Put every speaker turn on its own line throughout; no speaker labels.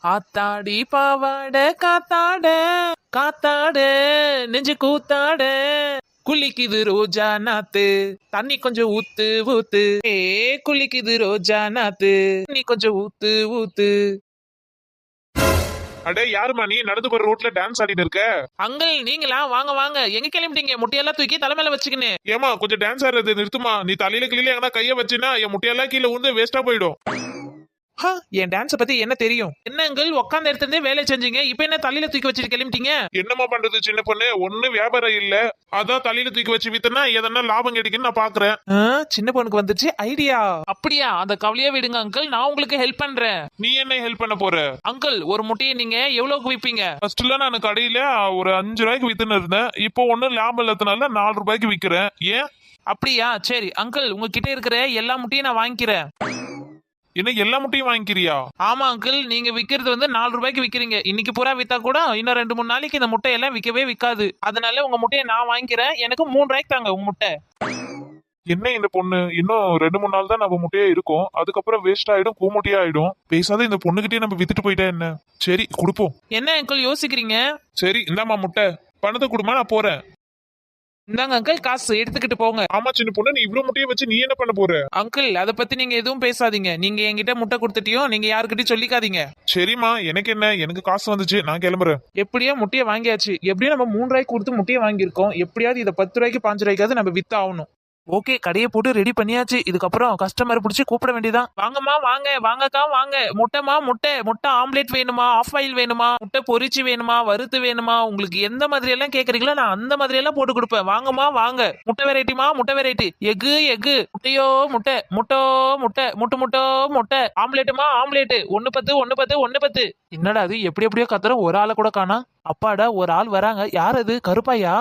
ஆத்தாடி பாவாட காத்தாட காத்தாட நெஞ்சு கூத்தாட குளிக்குது ரோஜா நாத்து தண்ணி கொஞ்சம் ஊத்து ஊத்து ஏ குளிக்குது ரோஜா நாத்து தண்ணி கொஞ்சம் ஊத்து ஊத்து.
அடே யாருமா நீ நடந்து போற ரோட்ல டான்ஸ் ஆடிட்டு இருக்க?
அங்கிள் நீங்களா? வாங்க வாங்க. எங்க கிளம்பிட்டீங்க? முட்டையெல்லாம் தூக்கி தலைமையில வச்சுக்கின்னு.
ஏமா கொஞ்சம் டான்ஸ் ஆடுறது நிறுத்துமா. நீ தலையில கிளியில எங்கன்னா கைய வச்சுனா என் முட்டையெல்லாம் கீழே விழுந்து வேஸ்டா போயிடும்.
என் டான்ஸ பத்தி என்ன தெரியும்? என்ன அங்கிள் உட்கார்ந்த இடத்துல இருந்தே வேலை செஞ்சீங்க, இப்ப என்ன தலையில தூக்கி வச்சுட்டு கிளம்பிட்டீங்க?
என்னமா பண்றது சின்ன பொண்ணு, ஒண்ணு வியாபாரம் இல்ல, அதான் தலையில தூக்கி வச்சு வித்தனா எதனா லாபம் கிடைக்குன்னு நான் பாக்குறேன்.
சின்ன பொண்ணுக்கு வந்துச்சு ஐடியா. அப்படியா? அந்த கவலையா விடுங்க அங்கிள், நான் உங்களுக்கு ஹெல்ப் பண்றேன்.
நீ என்ன ஹெல்ப் பண்ண போற?
அங்கிள் ஒரு முட்டையை நீங்க எவ்வளவுக்கு விப்பீங்க?
ஃபர்ஸ்ட்ல நான் கடையில ஒரு 5 ரூபாய்க்கு வித்துன்னு இருந்தேன். இப்போ ஒன்னும் லாபம் இல்லாதனால 4 ரூபாய்க்கு விக்கிறேன். ஏன்?
அப்படியா? சரி அங்கிள், உங்ககிட்ட இருக்கிற எல்லா முட்டையும் நான் வாங்கிக்கிறேன்.
என்ன எல்லா முட்டையும் வாங்கிக்கிறியா?
ஆமா அங்கிள், நீங்க விக்கிறது வந்து 4 ரூபாய்க்கு விக்கிறீங்க. இன்னைக்கு பூரா வித்தா கூட இன்னும் 2-3 நாளைக்கு இந்த முட்டையெல்லாம் விற்கவே விற்காது. அதனால உங்க முட்டையை நான் வாங்கிக்கிறேன். எனக்கு 3 ரூபாய்க்கு தாங்க உங்க முட்டை.
என்ன இந்த பொண்ணு, இன்னும் 2-3 நாள் தான் நம்ம முட்டையே இருக்கும், அதுக்கப்புறம் வேஸ்ட் ஆயிடும், கூமுட்டையா ஆயிடும். பேசாத இந்த பொண்ணுகிட்டே நம்ம வித்துட்டு போயிட்டா என்ன? சரி கொடுப்போம்.
என்ன அங்கிள் யோசிக்கிறீங்க?
சரி இந்தாமா முட்டை, பணத்தை கொடுமா, நான் போறேன்.
இந்தாங்க அங்கிள், காசு எடுத்துக்கிட்டு போங்க.
ஆமா சின்ன பொண்ணு, நீ இவ்வளவு முட்டையை வச்சு நீ என்ன பண்ண போற?
அங்கிள் அதை பத்தி நீங்க எதுவும் பேசாதீங்க. நீங்க என்கிட்ட முட்டை கொடுத்துட்டியும் நீங்க யாருக்கிட்டையும் சொல்லிக்காதீங்க.
சரிம்மா, எனக்கு என்ன, எனக்கு காசு வந்துச்சு, நான் கிளம்புறேன்.
எப்படியோ முட்டையை வாங்கியாச்சு. எப்படியும் நம்ம 3 ரூபாய்க்கு கொடுத்து முட்டையை வாங்கியிருக்கோம். எப்படியாவது இதை 10 ரூபாய்க்கு 5 ரூபாய்க்காவது நம்ம வித்து ஆகணும். ஓகே, கடையை போட்டு ரெடி பண்ணியாச்சு. இதுக்கப்புறம் கஸ்டமர் பிடிச்சி கூப்பிட வேண்டியதான். வாங்கம்மா வாங்க, வாங்கக்கா வாங்க. முட்டைமா முட்டை, முட்டை ஆம்லேட் வேணுமா, ஆஃப் ஆயில் வேணுமா, முட்டை பொரிச்சு வேணுமா, வறுத்து வேணுமா, உங்களுக்கு எந்த மாதிரி எல்லாம் கேக்குறீங்களோ நான் அந்த மாதிரி எல்லாம் போட்டு கொடுப்பேன். வாங்கம்மா வாங்க. முட்டை வெரைட்டிமா, முட்டை வெரைட்டி. எக்கு எக்கு, முட்டையோ முட்டை, முட்டோ முட்டை, முட்டு முட்டோ முட்டை, ஆம்லேட்டுமா ஆம்லேட்டு. 1-10 1-10 1-10. என்னடா அது எப்படி எப்படியோ கத்துற, ஒரு ஆளை கூட காணா. அப்பாடா, ஒரு ஆள் வராங்க. யார் அது? கருப்பாயா?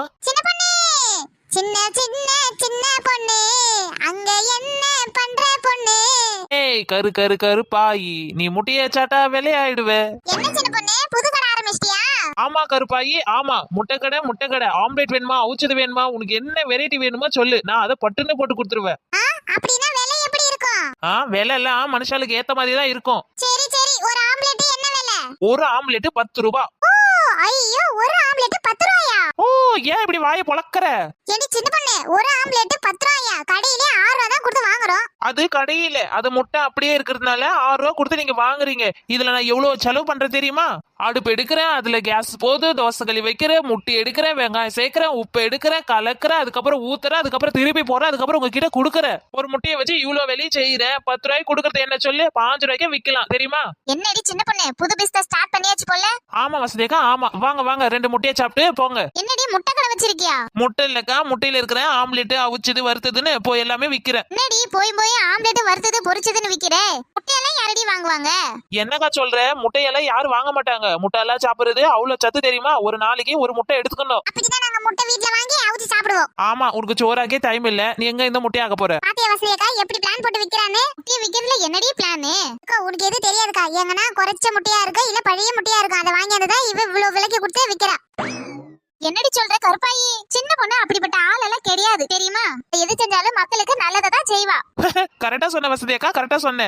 சின்ன சின்ன சின்ன பொண்ணு, அங்க என்ன பண்ற பொண்ணு?
ஏய் கரு கரு கருப்பாயி, நீ முட்டைய சாட்டா விலையாயிடுவே.
என்ன சின்ன பொண்ணு, புது கடை ஆரம்பிச்சிட்டியா?
ஆமா கருப்பாயி, ஆமா. முட்டை கடை. ஆம்லேட் வேணுமா, அவுச்சது வேணுமா, உனக்கு என்ன வெரைட்டி வேணுமோ சொல்லு, நான் அதை பட்டுன்னு போட்டு கொடுத்துருவேன்.
அப்படின்னா விலை எப்படி இருக்கும்?
விலை எல்லாம் மனுஷாளுக்கு ஏத்த மாதிரி தான் இருக்கும்.
சரி சரி, ஒரு ஆம்லெட் என்ன விலை?
ஒரு ஆம்லேட் 10 ரூபாய்.
ஐயோ, ஒரு ஆம்லெட் 10 ரூபாயா?
ஏன் இப்படி வாயை பொளக்கற?
ஏடி சின்ன பொண்ணு, ஒரு ஆம்லெட் 10 ரூபாயா? கடையிலே 6 ரூபாய் தான் கொடுத்து வாங்குறோம்.
அது கடையில, அது முட்டை அப்படியே இருக்கிறதுனால 6 ரூபாய் கொடுத்து நீங்க வாங்குறீங்க. இதுல நான் எவ்வளவு செலவு பண்றேன் தெரியுமா? அடுப்பு எடுக்கிறேன், அதுல கேஸ் போது, தோசை களி வைக்கிறேன், முட்டை எடுக்கிறேன், வெங்காயம் சேர்க்கிறேன், உப்பு எடுக்கிறேன், கலக்கிறேன், அதுக்கப்புறம் ஊத்துறேன், அதுக்கப்புறம் திருப்பி போறேன், அதுக்கப்புறம் உங்ககிட்ட கொடுக்குறேன். ஒரு முட்டையை வச்சு இவ்வளவு வெளியே செய்யறேன். 10 ரூபாய்க்கு கொடுக்கறது என்ன சொல்லு, 5 ரூபாய்க்கு விக்கலாம் தெரியுமா?
என்னடி சின்ன பொண்ணு, புது பிசினஸ் ஸ்டார்ட் பண்ணியாச்சு போல?
ஆமா வசதிக்கா, ஆமா. வாங்க வாங்க, 2 முட்டையை சாப்பிட்டு போங்க.
என்னடி முட்டை கடை வச்சிருக்கியா?
முட்டை இல்லக்கா, முட்டையில இருக்கிற ஆம்லெட் அவிச்சது வறுத்ததுன்னு போய் எல்லாமே விக்கிறேன்.
என்னடி போய் போய் ஆம்லெட் வறுத்தது பொரிச்சதுன்னு விக்கிற? முட்டையெல்லாம் யாரடி வாங்குவாங்க?
என்னக்கா சொல்ற? முட்டையெல்லாம் யாரும் வாங்க மாட்டாங்க. முட்டையெல்லாம் சாப்பிடுறது அவ்வளவு சத்து தெரியுமா? ஒரு நாளைக்கு ஒரு முட்டை எடுத்துக்கணும்.
அப்படிதான் நாங்க முட்டை வீட்ல வாங்கி அவிச்சு சாப்பிடுவோம்.
ஆமா, உனக்கு சோறாக்கே டைம் இல்ல. நீ எங்க இந்த முட்டையை ஆக்க போற?
பாத்தியா வசதியக்கா எப்படி பிளான் போட்டு விக்கிறானே? முட்டையை விக்கிறதுல என்னடி பிளான்? அக்கா உனக்கு எது தெரியாதுக்கா. எங்கனா குறைச்ச முட்டையா இருக்கு, இல்ல பழைய முட்டையா இருக்கு, அதை வாங்கி வந்ததான் இவ இவ்வளவு விலைக்கு கொடுத்து விக்கிறா. என்னடி சொல்ற கருப்பாயி? சின்ன பொண்ணு அப்படிப்பட்ட ஆள் எல்லாம் கிடையாது தெரியுமா? எது செஞ்சாலும் மக்களுக்கு நல்லதான் செய்வா.
கரெக்டா சொன்ன வசதியக்கா, கரெக்டா சொன்னேன்.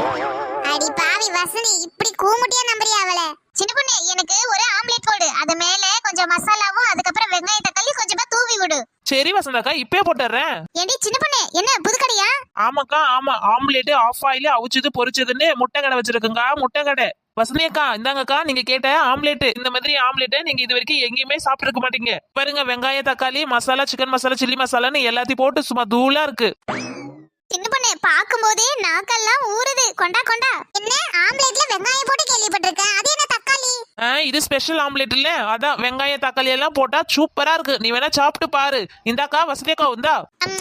அடி பாவி வசனி, இப்படி கூமுட்டியா நம்பறியா அவளை? சின்ன பொண்ணு, எனக்கு ஒரு ஆம்லெட் போடு, அது மேல கொஞ்சம் மசாலாவும் அதுக்கப்புறம் வெங்காய தக்காளி கொஞ்சமா தூவி விடு.
சரி வசந்தாக்கா, இப்பே போட்டுறேன்.
ஏடி சின்ன பொண்ணு, என்ன புது கடையா?
ஆமாக்கா ஆமா, ஆம்லெட் ஆஃப் ஆயில் அவிச்சது பொரிச்சதுன்னு முட்டை கடை வச்சிருக்குங்க. முட்டை கடை. வசந்தியக்கா இந்தாங்கக்கா, நீங்க கேட்ட ஆம்லெட். இந்த மாதிரி ஆம்லெட் நீங்க இது வரைக்கும் எங்கேயுமே சாப்பிட்டு இருக்க மாட்டீங்க. பாருங்க, வெங்காய தக்காளி மசாலா, சிக்கன் மசாலா, சில்லி மசாலான்னு எல்லாத்தையும் போட்டு சும்மா தூளா இருக்கு.
சின்ன பொண்ணு, பாக்கும்போதே நாக்கெல்லாம் ஊறுது. கொண்டா கொண்டா. என்ன ஆம்லெட்ல வெங்காயம் போட்டு கேள்விப்பட்டிருக்கேன், அது என்ன தக்காளி?
இது ஸ்பெஷல் ஆம்லெட் இல்ல, அதான் வெங்காய தக்காளி எல்லாம் போட்டா சூப்பரா இருக்கு. நீ வேணா சாப்பிட்டு பாரு. இந்தாக்கா வசதியக்கா, இந்தா.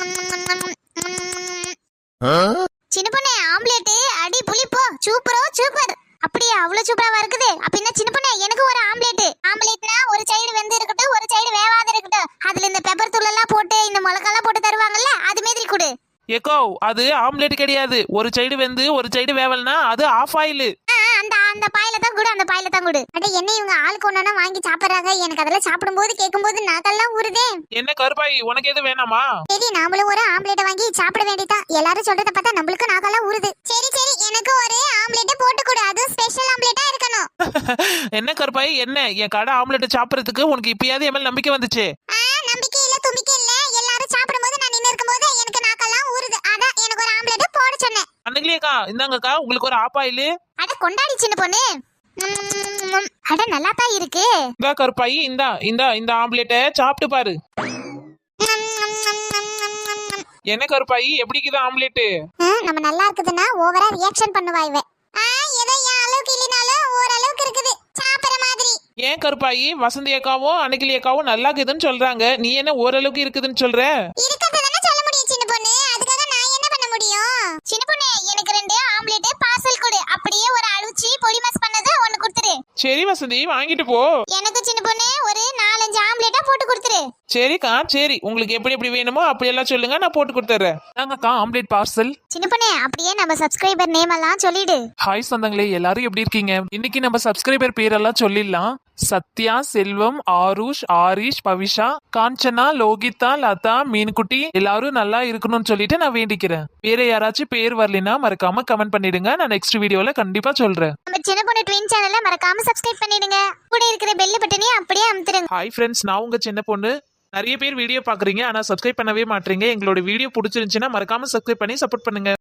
சின்ன பொண்ணு, ஆம்லெட் அடி புளிப்போ சூப்பரோ சூப்பர். அப்படியே அவ்வளவு சூப்பரா இருக்குது. அப்படின்னா சின்ன பொண்ணு, எனக்கு ஒரு ஆம்லெட். ஆம்லெட்னா ஒரு சைடு வெந்து இருக்கட்டும், ஒரு சைடு வேவாத இருக்கட்டும். அதுல இந்த பெப்பர் தூள் எல்லாம் போட்டு இந்த மிளகாலாம் போட்டு தருவாங்கல்ல, அது மாதிரி கொடு.
ஏக்கோ, அது ஆம்லெட் கிடையாது. ஒரு சைடு வெந்து ஒரு சைடு வேவல்னா அது ஆஃப் ஆயில்.
அந்த அந்த பாயில தான் குடு, அந்த பாயில தான் குடு. அட என்ன இவங்க ஆளுக்கு ஒண்ணா வாங்கி சாப்பிடுறாங்க? எனக்கு அதெல்லாம் சாப்பிடும்போது கேட்கும்போது நாக்கெல்லாம் ஊறுதே.
என்ன கருப்பாய், உனக்கு எது வேணாமா?
சரி, நாமளும் ஒரு ஆம்லெட் வாங்கி சாப்பிட வேண்டியதான். எல்லாரும் சொல்றத பார்த்தா நம்மளுக்கு நாக்கெல்லாம் ஊறுது. சரி சரி, எனக்கு ஒரு ஆம்லெட் போட்டு கொடு, அது ஸ்பெஷல் ஆம்லெட்டா இருக்கணும்.
என்ன கருப்பாயி என்ன என் கடை ஆம்லெட் சாப்பிடறதுக்கு உனக்கு இப்பயாவது என் மேல நம்பிக்கை வந்துச்சு
நம்பிக்கை இல்ல தும்பிக்கை இல்ல எல்லாரும் சாப்பிடும்போது நான் நின்னு இருக்கும்போது எனக்கு நாக்கெல்லாம் ஊறுது அதான் எனக்கு ஒரு ஆம்லெட் போட சொன்னேன்
அன்னைக்குலயேக்கா இந்தாங்கக்கா உங்களுக்கு ஒரு ஆப்பாயில்
அட கொண்டாடி சின்ன பொண்ணு அட நல்லா தான் இருக்கு
இந்தா கருப்பாயி இந்தா இந்தா இந்த ஆம்லெட்டை சாப்பிட்டு பாரு என்ன கருப்பாயி எப்படிக்குது ஆம்லெட்
நம்ம நல்லா இருக்குதுன்னா ஓவரா ரியாக்ஷன் பண்ணுவா இவ ஏதோ என் அளவுக்கு இல்லைனாலும் ஓரளவுக்கு இருக்குது சாப்பிடுற மாதிரி
ஏன் கருப்பாயி வசந்தி அக்காவும் அன்னைக்கிளி அக்காவும் நல்லா இருக்குதுன்னு சொல்றாங்க நீ என்ன ஓரளவுக்கு இருக்குதுன்னு சொல்ற
இருக்கிறது சொல்ல முடியும் சின்ன பொண்ணு அதுக்காக நான் என்ன பண்ண முடியும் சின்ன பொண்ணு எனக்கு 2 ஆம்லெட் பார்சல் கொடு அப்படியே ஒரு அழுச்சி பொடி மஸ் பண்ணது ஒன்னு கொடுத்துரு
சரி வசந்தி வாங்கிட்டு போ
எனக்கு சின்ன பொண்ணு ஒரு 4-5 ஆம்லெட்டா போட்டு கொடுத்துரு
சரிக்கா சரி உங்களுக்கு எப்படி எப்படி வேணுமோ அப்படி எல்லாம் சொல்லுங்க நான் போட்டு கொடுத்துறேன் நாங்கக்கா ஆம்லெட் பார்சல்
சின்ன பொண்ணு அப்படியே நம்ம சப்ஸ்கிரைபர் நேம் எல்லாம் சொல்லிடு
ஹாய் சொந்தங்களே எல்லாரும் எப்படி இருக்கீங்க இன்னைக்கு நம்ம சப்ஸ்கிரைபர் பேரெல்லாம் சொல்லிடலாம் சத்யா செல்வம் ஆருஷ் ஆரிஷ் பவிஷா காஞ்சனா லோகிதா லதா மீன்குட்டி எல்லாரும் நல்லா இருக்கணும்னு சொல்லிட்டு நான் வேண்டிக்கிறேன் வேற யாராச்சும் பேர் வரலைன்னா மறக்காம கமெண்ட் பண்ணிடுங்க நான் நெக்ஸ்ட் வீடியோல கண்டிப்பா சொல்றேன்
நம்ம சின்ன பொண்ணு ட்வின் சேனலை மறக்காம சப்ஸ்கிரைப் பண்ணிடுங்க கூட இருக்கிற பெல் பட்டனையும் அப்படியே அமுத்துருங்க
ஹாய் ஃப்ரெண்ட்ஸ் நான் உங்க சின்ன பொண்ணு நிறைய பேர் வீடியோ பாக்குறீங்க ஆனா சப்ஸ்கிரைப் பண்ணவே மாட்டீங்க எங்களோட வீடியோ பிடிச்சிருந்துச்சுன்னா மறக்காம சப்ஸ்கிரைப் பண்ணி சப்போர்ட் பண்ணுங்க